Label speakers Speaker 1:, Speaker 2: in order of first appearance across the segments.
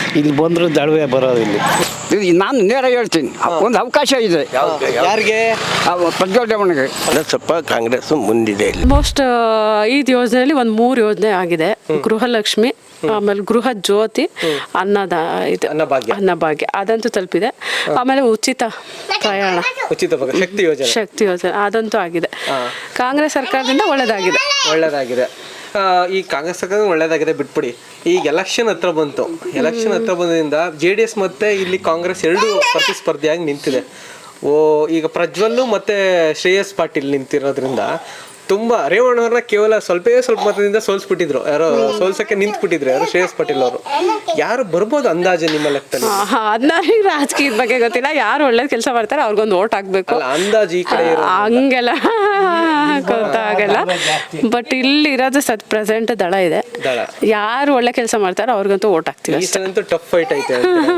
Speaker 1: ಇಲ್ಲಿ ಬಂದರೂ ದಳವೆ ಬರೋದು ಇಲ್ಲಿ ನಾನು ನೇರ ಹೇಳ್ತೀನಿ ಒಂದು ಅವಕಾಶ ಇದೆ
Speaker 2: ಯಾರಿಗೆ?
Speaker 1: ಪ್ರಜ್ವಲ್ ರೇವಣ್ಣಗೆ
Speaker 3: ಸ್ವಲ್ಪ ಕಾಂಗ್ರೆಸ್ ಮುಂದಿದೆ ಇಲ್ಲಿ.
Speaker 4: ಆಲ್ಮೋಸ್ಟ್ ಈ ಯೋಜನೆಯಲ್ಲಿ ಒಂದು 3 ಯೋಜನೆ ಆಗಿದೆ. ಗೃಹಲಕ್ಷ್ಮಿ, ಆಮೇಲೆ ಗೃಹ ಜ್ಯೋತಿ, ಅನ್ನಭಾಗ್ಯ ಅದಂತೂ ತಲುಪಿದೆ. ಆಮೇಲೆ ಉಚಿತ ಪ್ರಯಾಣ,
Speaker 2: ಉಚಿತ
Speaker 4: ಶಕ್ತಿ ಯೋಜನೆ ಅದಂತೂ ಆಗಿದೆ. ಕಾಂಗ್ರೆಸ್ ಸರ್ಕಾರದಿಂದ
Speaker 2: ಒಳ್ಳೇದಾಗಿದೆ. ಈ ಕಾಂಗ್ರೆಸ್ ಸರ್ಕಾರ ಒಳ್ಳೇದಾಗಿದೆ ಬಿಟ್ಬಿಡಿ. ಈಗ ಎಲೆಕ್ಷನ್ ಹತ್ರ ಬಂದ್ರಿಂದ JDS ಮತ್ತೆ ಇಲ್ಲಿ ಕಾಂಗ್ರೆಸ್ ಎರಡು ಪ್ರತಿಸ್ಪರ್ಧಿಯಾಗಿ ನಿಂತಿದೆ. ಈಗ ಪ್ರಜ್ವಲ್ ಮತ್ತೆ ಶ್ರೇಯಸ್ ಪಾಟೀಲ್ ನಿಂತಿರೋದ್ರಿಂದ ತುಂಬಾ ರೇವಣ್ಣವ್ರನ್ನ ಕೇವಲ ಸ್ವಲ್ಪ ಮತದಿಂದ ಸೋಲ್ಸ್ಬಿಟ್ಟಿದ್ರು. ಸೋಲ್ಸಕ್ಕೆ ನಿಂತ್ಬಿಟ್ಟಿದ್ರು ಯಾರು? ಶ್ರೇಯಸ್ ಪಾಟೀಲ್ ಅವರು. ಯಾರು ಬರ್ಬೋದು ಅಂದಾಜು ನಿಮ್ಮ ಲೆಕ್ಕದಲ್ಲಿ?
Speaker 4: ಅದನ್ನ ರಾಜಕೀಯದ ಬಗ್ಗೆ ಗೊತ್ತಿಲ್ಲ. ಯಾರು ಒಳ್ಳೇದ್ ಕೆಲಸ ಮಾಡ್ತಾರೆ ಅವ್ರಿಗೊಂದು ಓಟ್ ಹಾಕ್ಬೇಕು
Speaker 2: ಅಂದಾಜು. ಈ ಕಡೆ
Speaker 4: ಹಂಗೆಲ್ಲ ಗೊತ್ತಾಗಲ್ಲ. ಬಟ್ ಇಲ್ಲಿ ಇರೋದು ಪ್ರೆಸೆಂಟ್ ದಳ ಇದೆ. ಯಾರು ಒಳ್ಳೆ ಕೆಲಸ ಮಾಡ್ತಾರೋ ಅವ್ರಿಗಂತೂ ಓಟ್ ಹಾಕ್ತೀವಿ.
Speaker 2: ಟಫ್ ಫೈಟ್ ಐತೆ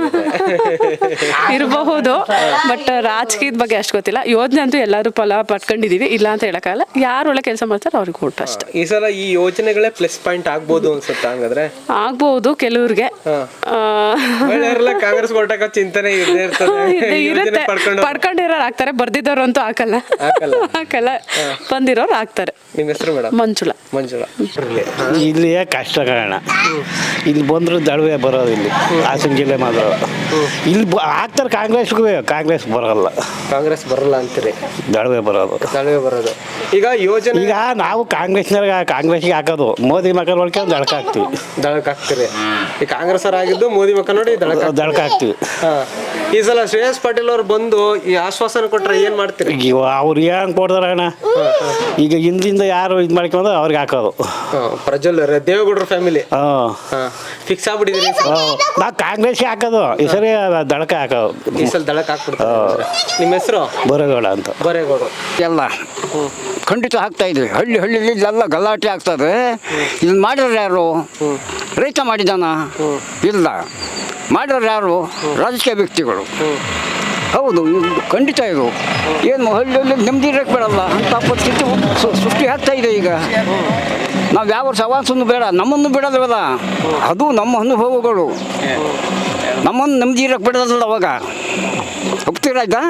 Speaker 4: ಇರಬಹುದು. ಬಟ್ ರಾಜಕೀಯದ ಬಗ್ಗೆ ಅಷ್ಟು ಗೊತ್ತಿಲ್ಲ. ಯೋಜನೆ ಅಂತೂ ಎಲ್ಲರೂ ಫಲ ಪಡ್ಕೊಂಡಿದೀವಿ, ಇಲ್ಲ ಅಂತ ಹೇಳಕ್ಕಾಗಲ್ಲ. ಯಾರು ಒಳ್ಳೆ ಕೆಲಸ ಮಾಡ್ತಾರೆ ಅವ್ರಿಗೆ ಓಟ್ ಅಷ್ಟೇ.
Speaker 2: ಈ ಸಲ ಈ ಯೋಜನೆಗಳೇ ಪ್ಲಸ್ ಪಾಯಿಂಟ್ ಆಗ್ಬೋದು ಅನ್ಸುತ್ತೆ. ಹಂಗಾದ್ರೆ ಆಗ್ಬಹುದು
Speaker 4: ಕೆಲವ್ರಿಗೆ.
Speaker 2: ಕಾಂಗ್ರೆಸ್ ಕೊಟ್ಟಾಗ ಚಿಂತನೆ
Speaker 4: ಇರುತ್ತೆ. ಪಡ್ಕೊಂಡಿರೋರು ಆಗ್ತಾರೆ, ಬರ್ದಿದ್ದವ್ರು ಅಂತೂ ಹಾಕಲ್ಲ. ಬಂದಿರೋರು ಆಗ್ತಾರೆ.
Speaker 2: ನಿಮ್ಮ ಹೆಸರು ಮೇಡಮ್? ಮಂಜುಳಾ.
Speaker 1: ಇಲ್ಲಿಯೇ ಕಷ್ಟ ಕಾರಣ. ಇಲ್ಲಿ ಬಂದರೂ ದಳವೆ ಬರೋದು ಇಲ್ಲಿ ಹಾಸನ ಜಿಲ್ಲೆ ಮಾತ್ರ. ಇಲ್ಲಿ ಆಗ್ತಾರೆ ಕಾಂಗ್ರೆಸ್ ಬರಲ್ಲ
Speaker 2: ಅಂತೀರಿ?
Speaker 1: ದಳವೆ ಬರೋದು.
Speaker 2: ಈಗ
Speaker 1: ನಾವು ಕಾಂಗ್ರೆಸ್ಗೆ ಹಾಕೋದು. ಮೋದಿ ಮಕ್ಕ ನೋಡ್ಕೊಂಡು ದಳಕ ಹಾಕ್ತೀವಿ.
Speaker 2: ಈ ಕಾಂಗ್ರೆಸ್ ಆಗಿದ್ದು ಮೋದಿ ಮಕ್ಕ ನೋಡಿ
Speaker 1: ದಳಕ ಹಾಕ್ತಿವಿ.
Speaker 2: ಈ ಸಲ ಶ್ರೇಯಸ್ ಪಾಟೀಲ್ ಅವ್ರು ಬಂದು ಈ ಆಶ್ವಾಸನೆ ಕೊಟ್ರೆ ಏನ್ ಮಾಡ್ತೀರಿ?
Speaker 1: ಅವ್ರು ಏನ್ ಕೊಡ್ತಾರ ಅಣ್ಣ? ಈಗ ಹಿಂದಿಂದ ಯಾರು ಇದು ಮಾಡ್ಕೊಂಡ್ರೆ ಅವ್ರಿಗೆ ಹಾಕೋದು.
Speaker 2: ಪ್ರಜ್ವಲ್ ದೇವೇಗೌಡರ ಫ್ಯಾಮಿಲಿ ಫಿಕ್ಸ್ ಆಗ್ಬಿಟ್ಟಿದ್ರಿ?
Speaker 1: ನಾವು ಕಾಂಗ್ರೆಸ್ಗೆ ಹಾಕೋದು. ಈ ಸರಿ ದಳಕ ಹಾಕೋದು.
Speaker 2: ಈ ಸಲ ದಳಕ ಹಾಕ್ಬಿಡ್ತಾರೆ. ನಿಮ್ಮ ಹೆಸರು?
Speaker 1: ಬರೇಗೌಡ ಅಂತ.
Speaker 5: ಎಲ್ಲ ಖಂಡಿತ ಆಗ್ತಾ ಇದೆ. ಹಳ್ಳಿಲಿ ಎಲ್ಲ ಗಲಾಟೆ ಆಗ್ತದೆ. ಇದನ್ನ ಮಾಡಿರೋರು ಯಾರು? ರೈತ ಮಾಡಿದಾನ? ಇಲ್ಲ. ಮಾಡಿರೋರು ಯಾರು? ರಾಜಕೀಯ ವ್ಯಕ್ತಿಗಳು. ಹೌದು, ಖಂಡಿತ ಇದು ಏನು ಹಳ್ಳಿಯಲ್ಲಿ ನೆಮ್ಮದಿ ಇರಕ್ಕೆ ಬಿಡಲ್ಲ ಅಂತ ಪರಿಸ್ಥಿತಿ ಸೃಷ್ಟಿ ಆಗ್ತಾ ಇದೆ. ಈಗ ನಾವು ಯಾವ ಸವಾಸನ್ನು ಬೇಡ, ನಮ್ಮನ್ನು ಬಿಡೋದಲ್ಲ. ಅದು ನಮ್ಮ ಅನುಭವಗಳು. ನಮ್ಮನ್ನು ನೆಮ್ಮದಿ ಇರಕ್ಕೆ ಬಿಡೋದಲ್ಲ. ಅವಾಗ ಹೋಗ್ತೀರಾಯ್ತಾ?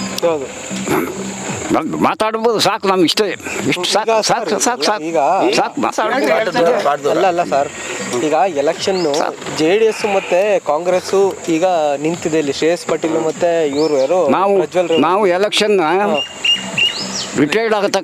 Speaker 5: ಮಾತಾಡ್ಬೋದು. ಸಾಕು, ನಮ್ಗೆ ಇಷ್ಟ. ಇಷ್ಟು ಸಾಕು.
Speaker 2: ಅಲ್ಲ ಸರ್, ಈಗ ಎಲೆಕ್ಷನ್ JDS ಮತ್ತೆ ಕಾಂಗ್ರೆಸ್ ಈಗ ನಿಂತಿದೆ ಇಲ್ಲಿ. ಶ್ರೇಯಸ್ ಪಾಟೀಲ್ ಮತ್ತೆ ಇವರು ಯಾರು?
Speaker 5: ನಾವು ಎಲೆಕ್ಷನ್ ರಿಟೈರ್ಡ್ ಆಗತಕ್ಕ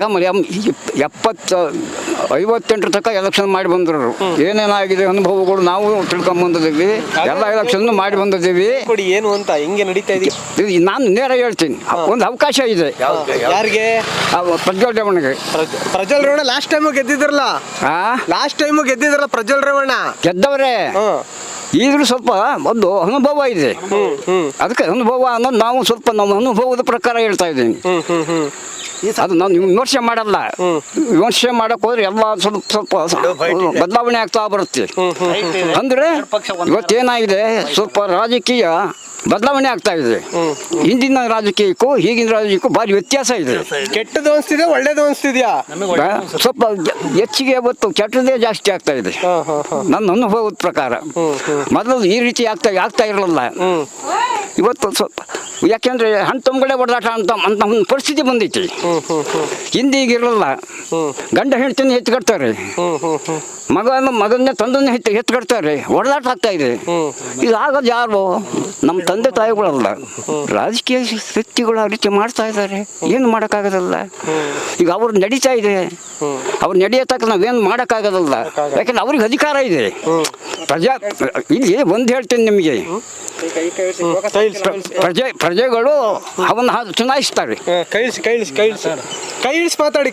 Speaker 5: 58 ತನಕ ಎಲೆಕ್ಷನ್ ಮಾಡಿ ಬಂದರು. ಏನೇನಾಗಿದೆ ಅನುಭವಗಳು ನಾವು ತಿಳ್ಕೊಂಬಂದಿದ್ದೀವಿ. ಎಲ್ಲ ಎಲೆಕ್ಷನ್ ಮಾಡಿ ಬಂದಿದ್ದೀವಿ.
Speaker 2: ಏನು ಅಂತ ಹೆಂಗೆ ನಡೀತಾ ಇದೆ?
Speaker 5: ನಾನು ನೇರ ಹೇಳ್ತೀನಿ, ಒಂದು ಅವಕಾಶ ಇದೆ.
Speaker 2: ಯಾರಿಗೆ?
Speaker 5: ಪ್ರಜ್ವಲ್ ರೇವಣ್ಣಗೆ.
Speaker 2: ಪ್ರಜ್ವಲ್ ರೇವಣ್ಣ ಲಾಸ್ಟ್ ಟೈಮು ಗೆದ್ದಿದ್ರಲ್ಲ ಪ್ರಜ್ವಲ್ ರೇವಣ್ಣ ಗೆದ್ದವ್ರೆ.
Speaker 5: ಈಗಲೂ ಸ್ವಲ್ಪ ಒಂದು ಅನುಭವ ಇದೆ. ಅದಕ್ಕೆ ಅನುಭವ ಅನ್ನೋದು ನಾವು ಸ್ವಲ್ಪ ನಮ್ಮ ಅನುಭವದ ಪ್ರಕಾರ ಹೇಳ್ತಾ ಇದ್ದೀನಿ. ಅದು ನಾವು ವಿಮರ್ಶೆ ಮಾಡಲ್ಲ. ವಿಮರ್ಶೆ ಮಾಡಕ್ ಹೋದ್ರೆ ಎಲ್ಲ ಸ್ವಲ್ಪ ಬದಲಾವಣೆ ಆಗ್ತಾ ಬರುತ್ತೆ. ಅಂದ್ರೆ ಇವತ್ತೇನಾಗಿದೆ, ಸ್ವಲ್ಪ ರಾಜಕೀಯ ಬದಲಾವಣೆ ಆಗ್ತಾ ಇದೆ. ಹಿಂದಿನ ರಾಜಕೀಯಕ್ಕೂ ಈಗಿನ ರಾಜಕೀಯಕ್ಕೂ ಭಾರಿ ವ್ಯತ್ಯಾಸ ಇದೆ.
Speaker 2: ಕೆಟ್ಟದ್ದು ಅನಿಸ್ತಿದೆ, ಒಳ್ಳೇದು ಅನಿಸ್ತಿದ್ಯಾ?
Speaker 5: ಸ್ವಲ್ಪ ಹೆಚ್ಚಿಗೆ ಇವತ್ತು ಕೆಟ್ಟದೇ ಜಾಸ್ತಿ ಆಗ್ತಾ ಇದೆ ನನ್ನ ಅನುಭವದ ಪ್ರಕಾರ. ಮೊದಲು ಈ ರೀತಿ ಆಗ್ತಾ ಇರಲಿಲ್ಲ. ಇವತ್ತು ಸ್ವಲ್ಪ ಯಾಕೆಂದ್ರೆ ಹಣ್ಣು ತುಂಬಗಳೇ ಹೊಡೆದಾಟ ಅಂತ ಒಂದು ಪರಿಸ್ಥಿತಿ ಬಂದೈತಿ. ಹಿಂದೆ ಈಗಿರಲಿಲ್ಲ. ಗಂಡ ಹೆಂಡತಿನ ಎತ್ಕೊಡ್ತಾರೆ, ಮಗನ್ನ ತಂದನ್ನ ಎತ್ಕೊಡ್ತಾರೆ. ಹೊಡೆದಾಟ ಆಗ್ತಾ ಇದೆ. ಇದು ಆಗೋದು ಯಾರು? ನಮ್ಮ ತಂದೆ ತಾಯಿಗಳಲ್ಲ, ರಾಜಕೀಯ ವ್ಯಕ್ತಿಗಳು ಆ ರೀತಿ ಮಾಡ್ತಾ ಇದ್ದಾರೆ. ಏನು ಮಾಡೋಕ್ಕಾಗೋದಲ್ಲ. ಈಗ ಅವ್ರು ನಡೀತಾ ಇದೆ. ಅವ್ರು ನಡೆಯತಕ್ಕ ನಾವೇನು ಮಾಡೋಕ್ಕಾಗೋದಲ್ಲ. ಯಾಕಂದ್ರೆ ಅವ್ರಿಗೆ ಅಧಿಕಾರ ಇದೆ. ಇಲ್ಲಿ ಒಂದು ಹೇಳ್ತೀನಿ ನಿಮಗೆ, ಪ್ರಜೆಗಳು ಅವನ್ನ ಚುನಾಯಿಸ್ತಾರೆ.
Speaker 2: ಕೈ ಇಳಿಸಿ ಮಾತಾಡಿ.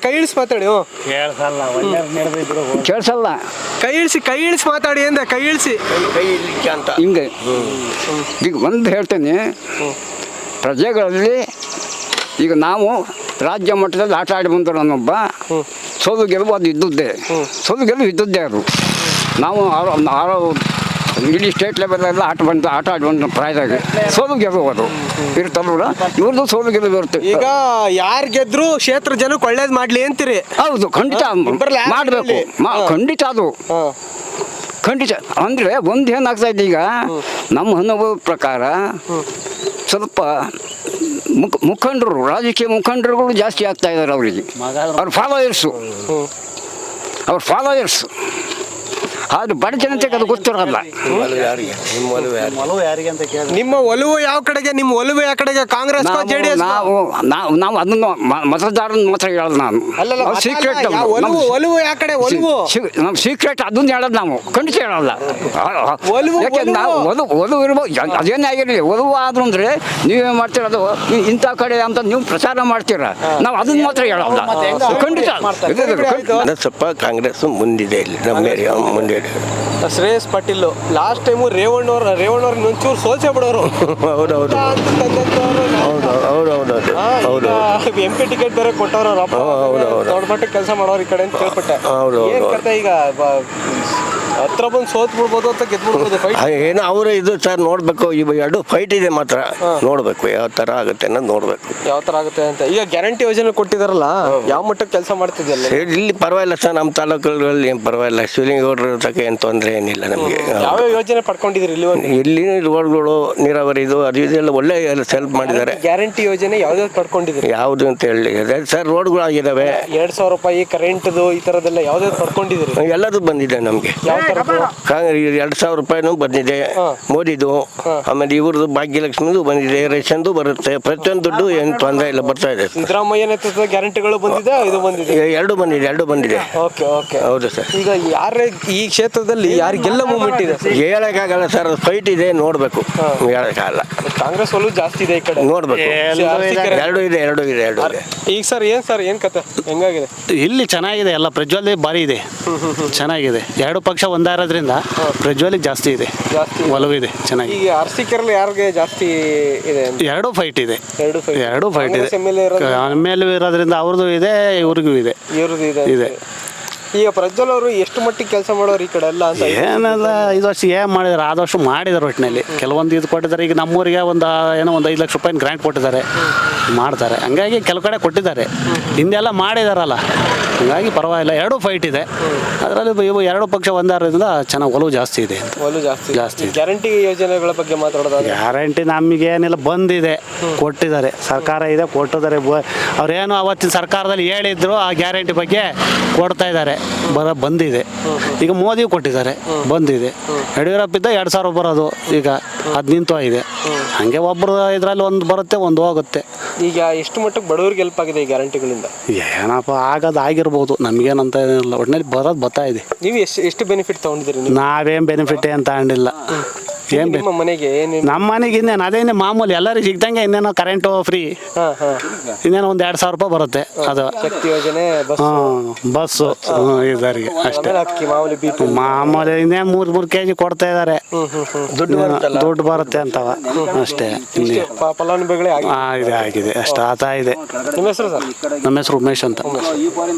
Speaker 5: ಕೇಳಿಸಲ್ಲ.
Speaker 2: ಕೈ ಇಳಿಸಿ ಮಾತಾಡಿ ಅಂದೆ. ಕೈ ಇಳಿಸಿ ಅಂತ
Speaker 5: ಹಿಂಗೆ. ಈಗ ಒಂದು ಹೇಳ್ತೇನೆ, ಪ್ರಜೆಗಳಲ್ಲಿ ಈಗ ನಾವು ರಾಜ್ಯ ಮಟ್ಟದಲ್ಲಿ ಆಟ ಆಡಿ ಬಂದರು. ನಾನೊಬ್ಬ ಸೋಲು ಗೆಲುವು ಅದು ಇದ್ದದ್ದೇ. ಅದು ನಾವು ಇಡೀ ಸ್ಟೇಟ್ ಲೆವೆಲೆಲ್ಲ ಆಟ ಆಡಿ ಬಂದ ಪ್ರಾಯದಾಗ ಸೋಲು ಗೆಲುವು ಅದು ಇರ್ತಲ್ಲ. ಇವ್ರದ್ದು ಸೋಲು ಗೆಲುವು ಇರುತ್ತೆ.
Speaker 2: ಈಗ ಯಾರು ಗೆದ್ರು ಕ್ಷೇತ್ರ ಜನಕ್ಕೆ ಒಳ್ಳೇದು ಮಾಡ್ಲಿ ಅಂತೀರಿ?
Speaker 5: ಹೌದು, ಖಂಡಿತ ಮಾಡಬೇಕು. ಖಂಡಿತ ಅದು ಖಂಡಿತ ಅಂದರೆ ಒಂದು ಏನಾಗ್ತಾ ಇದೆ ಈಗ ನಮ್ಮ ಅನುಭವದ ಪ್ರಕಾರ ಸ್ವಲ್ಪ ಮುಖಂಡರು ರಾಜಕೀಯ ಮುಖಂಡರುಗಳು ಜಾಸ್ತಿ ಆಗ್ತಾ ಇದ್ದಾರೆ ಅವರಿಗೆ ಅವ್ರ ಫಾಲೋಯರ್ಸ್ ಆದ್ರೆ ಬಡ ಜನತೆಗೆ ಅದು ಗೊತ್ತಿರೋಲ್ಲ.
Speaker 2: ನಿಮ್ಮ ಒಲವು ಯಾವ ಕಡೆಗೆ? ನಿಮ್ಮ ಒಲವು ಯಾವ ಕಡೆಗೆ? ಕಾಂಗ್ರೆಸ್ ಜೆಡಿಎಸ್?
Speaker 5: ನಾವು ಅದನ್ನು ಮತದಾರನ ಮಾತ್ರ ಹೇಳೋದು ನಾನು. ಸೀಕ್ರೆಟ್
Speaker 2: ಒಲವು ಯಾವ ಕಡೆ? ಒಲವು
Speaker 5: ನಮ್ಮ ಸೀಕ್ರೆಟ್ ಅದನ್ನ ಹೇಳೋದು ನಾವು ಖಂಡಿತ ಹೇಳಲ್ಲ. ಯಾಕೆಂದ್ರೆ ನಾವು ಒಲವು ಇರ್ಬೋದು, ಅದೇನೇ ಆಗಿರಲಿ. ಒಲವು ಆದ್ರೂ ಅಂದ್ರೆ ನೀವೇನು ಮಾಡ್ತೀರ, ಅದು ಇಂಥ ಕಡೆ ಅಂತ ನೀವು ಪ್ರಚಾರ ಮಾಡ್ತೀರ, ನಾವು ಅದನ್ನ ಮಾತ್ರ ಹೇಳಲ್ಲ ಖಂಡಿತ.
Speaker 3: ಸ್ವಲ್ಪ ಕಾಂಗ್ರೆಸ್ ಮುಂದಿದೆ ಇಲ್ಲಿ ನಮ್ಮ ಏರಿಯಾ ಮುಂದೆ.
Speaker 2: ಶ್ರೇಯಸ್ ಪಾಟೀಲ್ ಲಾಸ್ಟ್ ಟೈಮು ರೇವಣ್ಣವ್ರ ಇನ್ನೊಂಚೂರು ಸೋಲ್ಸೇ ಬಿಡೋರು.
Speaker 3: ಹೌದೌದು
Speaker 2: MP ಟಿಕೆಟ್ ಬೇರೆ ಕೊಟ್ಟವ್ರು, ದೊಡ್ಡ ಮಟ್ಟಕ್ಕೆ ಕೆಲಸ ಮಾಡೋರು ಈ ಕಡೆ ಅಂತ ಕೇಳ್ಪಟ್ಟೆ. ಏನ್ ಕತೆ ಈಗ ಹತ್ರ ಬಂದು ಸೋತ್ ಬಿಡ್ಬೋದು ಅಂತ ಗೆದ್ಬಿಡ್ಬೋದು ಫೈಟ್?
Speaker 3: ಏನೋ ಅವರು ಇದು ಸರ್ ನೋಡ್ಬೇಕು. ಇವು ಎರಡು ಫೈಟ್ ಇದೆ ಮಾತ್ರ, ನೋಡ್ಬೇಕು ಯಾವ ತರ ಆಗುತ್ತೆ ಅನ್ನೋದು ನೋಡ್ಬೇಕು.
Speaker 2: ಯಾವ ತರ ಆಗುತ್ತೆ ಅಂತ. ಈಗ ಗ್ಯಾರಂಟಿ ಯೋಜನೆ ಕೊಟ್ಟಿದಾರಲ್ಲ, ಯಾವ ಮಟ್ಟಕ್ಕೆ ಕೆಲಸ ಮಾಡ್ತಿದ್ಯಲ್ಲ?
Speaker 3: ಇಲ್ಲಿ ಪರವಾಗಿಲ್ಲ ಸರ್, ನಮ್ಮ ತಾಲೂಕುಗಳಲ್ಲಿ ಏನು ಪರವಾಗಿಲ್ಲ. ಶಿವಲಿಂಗೌಡರ ತಕ್ಕ ಏನು ತೊಂದರೆ ಏನಿಲ್ಲ ನಮಗೆ.
Speaker 2: ಯಾವ ಯೋಜನೆ ಪಡ್ಕೊಂಡಿದ್ರಿ
Speaker 3: ಇಲ್ಲಿ ರೋಡ್ಗಳು, ನೀರಾವರಿದು ಅದು ಇದೆಲ್ಲ ಒಳ್ಳೆ ಹೆಲ್ಪ್ ಮಾಡಿದ್ದಾರೆ.
Speaker 2: ಗ್ಯಾರಂಟಿ ಯೋಜನೆ ಯಾವ್ದಾವ್ದು ಪಡ್ಕೊಂಡಿದ್ರಿ?
Speaker 3: ಯಾವುದು ಅಂತ ಹೇಳಿ ಸರ್, ರೋಡ್ಗಳು ಆಗಿದಾವೆ.
Speaker 2: 2,000 ರೂಪಾಯಿ ಕರೆಂಟ್ದು ಈ ತರದೆಲ್ಲ ಯಾವ್ದಾವ್ದು ಪಡ್ಕೊಂಡಿದ್ರಿ?
Speaker 3: ಎಲ್ಲದೂ ಬಂದಿದೆ ನಮಗೆ. 2,000 ರೂಪಾಯಿನೂ ಬಂದಿದೆ ಮೋದಿದು. ಆಮೇಲೆ ಇವ್ರದ್ದು ಭಾಗ್ಯಲಕ್ಷ್ಮಿದು ಬಂದಿದೆ, ರೇಷನ್ದು ಬರುತ್ತೆ. ಪ್ರತಿಯೊಂದು ದುಡ್ಡು ಏನು ತೊಂದರೆ ಇಲ್ಲ, ಬರ್ತಾ ಇದೆ.
Speaker 2: ಸಿದ್ದರಾಮಯ್ಯ ನೇತೃತ್ವದ ಗ್ಯಾರಂಟಿಗಳು ಬಂದಿದೆ, ಇದು ಬಂದಿದೆ,
Speaker 3: ಎರಡು ಬಂದಿದೆ.
Speaker 2: ಓಕೆ ಓಕೆ,
Speaker 3: ಹೌದು ಸರ್.
Speaker 2: ಈಗ ಯಾರೇ ಈ ಕ್ಷೇತ್ರದಲ್ಲಿ ಯಾರಿಗೆಲ್ಲ ಮೂವ್ಮೆಂಟ್ ಇದೆ
Speaker 3: ಹೇಳಕ್ಕಾಗಲ್ಲ ಸರ್, ಫೈಟ್ ಇದೆ, ನೋಡ್ಬೇಕು. ಹೇಳಕ್ಕಾಗಲ್ಲ.
Speaker 2: ಕಾಂಗ್ರೆಸ್ ಒಲವು ಜಾಸ್ತಿ ಇದೆ ಈ ಕಡೆ,
Speaker 3: ನೋಡ್ಬೇಕು. ಎರಡು ಇದೆ.
Speaker 2: ಈಗ ಸರ್ ಏನ್ ಕತೆ ಹೆಂಗಾಗಿದೆ?
Speaker 1: ಇಲ್ಲಿ ಚೆನ್ನಾಗಿದೆ, ಎಲ್ಲ ಪ್ರಜ್ವಲ್ ಭಾರಿ ಇದೆ, ಚೆನ್ನಾಗಿದೆ. ಎರಡು ಪಕ್ಷ ಒಂದಾರೋದ್ರಿಂದ ಪ್ರಜ್ವಲಿಗೆ ಜಾಸ್ತಿ ಇದೆ, ಒಲವು ಇದೆ, ಚೆನ್ನಾಗಿ.
Speaker 2: ಈಗ ಅರಸೀಕೆರೆಯಲ್ಲಿ ಯಾರಿಗೆ ಜಾಸ್ತಿ ಇದೆ?
Speaker 1: ಎರಡು ಫೈಟ್ ಇದೆ. ಎರಡು ಫೈಟ್ ಇದೆ.
Speaker 2: MLA
Speaker 1: ಇರೋದ್ರಿಂದ ಅವ್ರದ್ದು ಇದೆ, ಇವ್ರಿಗೂ ಇದೆ,
Speaker 2: ಇವ್ರದ್ದು ಇದೆ. ಈಗ ಪ್ರಜ್ವಲ್ ಅವರು ಎಷ್ಟು ಮಟ್ಟಿಗೆ ಕೆಲಸ ಮಾಡೋರು ಈ ಕಡೆ ಎಲ್ಲ ಅಂತ?
Speaker 1: ಏನೆಲ್ಲ 5 ವರ್ಷ ಏನು ಮಾಡಿದಾರೆ, ಆದಷ್ಟು ಮಾಡಿದಾರೆ. ಒಟ್ಟಿನಲ್ಲಿ ಕೆಲವೊಂದು ಇದು ಕೊಟ್ಟಿದ್ದಾರೆ. ಈಗ ನಮ್ಮೂರಿಗೆ ಒಂದು 5 ಲಕ್ಷ ರೂಪಾಯಿ ಗ್ರಾಂಟ್ ಕೊಟ್ಟಿದ್ದಾರೆ, ಮಾಡ್ತಾರೆ. ಹಂಗಾಗಿ ಕೆಲವು ಕಡೆ ಕೊಟ್ಟಿದ್ದಾರೆ, ಹಿಂದೆಲ್ಲ ಮಾಡಿದಾರಲ್ಲ, ಹಂಗಾಗಿ ಪರವಾಗಿಲ್ಲ. ಎರಡು ಫೈಟ್ ಇದೆ. ಅದರಲ್ಲಿ ಇವು ಎರಡು ಪಕ್ಷ ಒಂದಾರೋದ್ರಿಂದ ಚೆನ್ನಾಗಿ ಒಲವು ಜಾಸ್ತಿ ಇದೆ. ಜಾಸ್ತಿ
Speaker 2: ಗ್ಯಾರಂಟಿ ಯೋಜನೆಗಳ ಬಗ್ಗೆ ಮಾತಾಡೋದು?
Speaker 1: ಗ್ಯಾರಂಟಿ ನಮಗೇನಿಲ್ಲ, ಬಂದಿದೆ, ಕೊಟ್ಟಿದ್ದಾರೆ. ಸರ್ಕಾರ ಇದೆ, ಕೊಟ್ಟಿದ್ದಾರೆ. ಅವ್ರೇನು ಅವತ್ತಿನ ಸರ್ಕಾರದಲ್ಲಿ ಹೇಳಿದ್ರು ಆ ಗ್ಯಾರಂಟಿ ಬಗ್ಗೆ ಕೊಡ್ತಾ ಇದ್ದಾರೆ, ಬಂದಿದೆ. ಈಗ ಮೋದಿ ಕೊಟ್ಟಿದ್ದಾರೆ, ಬಂದಿದೆ. ಯಡಿಯೂರಪ್ಪ ಇದ್ದ 2,000 ಬರೋದು, ಈಗ ಅದು ನಿಂತು ಇದೆ. ಹಂಗೆ ಒಬ್ಬರು ಇದರಲ್ಲಿ ಒಂದು ಬರುತ್ತೆ, ಒಂದು ಹೋಗುತ್ತೆ.
Speaker 2: ಈಗ ಎಷ್ಟು ಮಟ್ಟಕ್ಕೆ ಬಡವರಿಗೆ ಹೆಲ್ಪ್ ಆಗಿದೆ ಈ ಗ್ಯಾರಂಟಿಗಳಿಂದ?
Speaker 1: ಏನಪ್ಪ ಆಗಿರ್ಬೋದು, ನಮಗೇನಂತ ಏನಿಲ್ಲ, ಒಟ್ಟಿನಲ್ಲಿ ಬರ್ತಾ ಇದೆ.
Speaker 2: ನೀವು ಎಷ್ಟು ಬೆನಿಫಿಟ್ ತಗೊಂಡಿದ್ದೀರಿ?
Speaker 1: ನಾವೇನು ಬೆನಿಫಿಟ್ ಏನು ತಗೊಂಡಿಲ್ಲ.
Speaker 2: ನಿಮ್ಮ ಮನೆಗೆ
Speaker 1: ನಮ್ಮ ಮನೆಗೆ ಇನ್ನೇನು ಅದೇನೇ ಮಾಮೂಲಿ ಎಲ್ಲರಿಗೂ ಸಿಗ್ದಂಗೆ. ಇನ್ನೇನೋ ಕರೆಂಟು ಫ್ರೀ, ಇನ್ನೇನೋ ಒಂದು 2,000 ರೂಪಾಯಿ ಬರುತ್ತೆ. ಅದು
Speaker 2: ಶಕ್ತಿ ಯೋಜನೆ,
Speaker 1: ಬಸ್ಸು ಇದರಿಗೆ ಅಷ್ಟೇ. ಮಾಮೂಲಿ ಇನ್ನೇನು 3 kg ಕೊಡ್ತಾ ಇದ್ದಾರೆ, ದುಡ್ಡು ಬರುತ್ತೆ ಅಂತವ ಅಷ್ಟೇ.
Speaker 2: ಫಲಾನುಭವಿಗಳೇ
Speaker 1: ಆಗಿದೆ ಅಷ್ಟು ಆತ ಇದೆ.
Speaker 2: ನಿಮ್ಮ ಹೆಸರು ಸರ್?
Speaker 1: ನಮ್ಮ ಹೆಸರು ಉಮೇಶ್ ಅಂತ.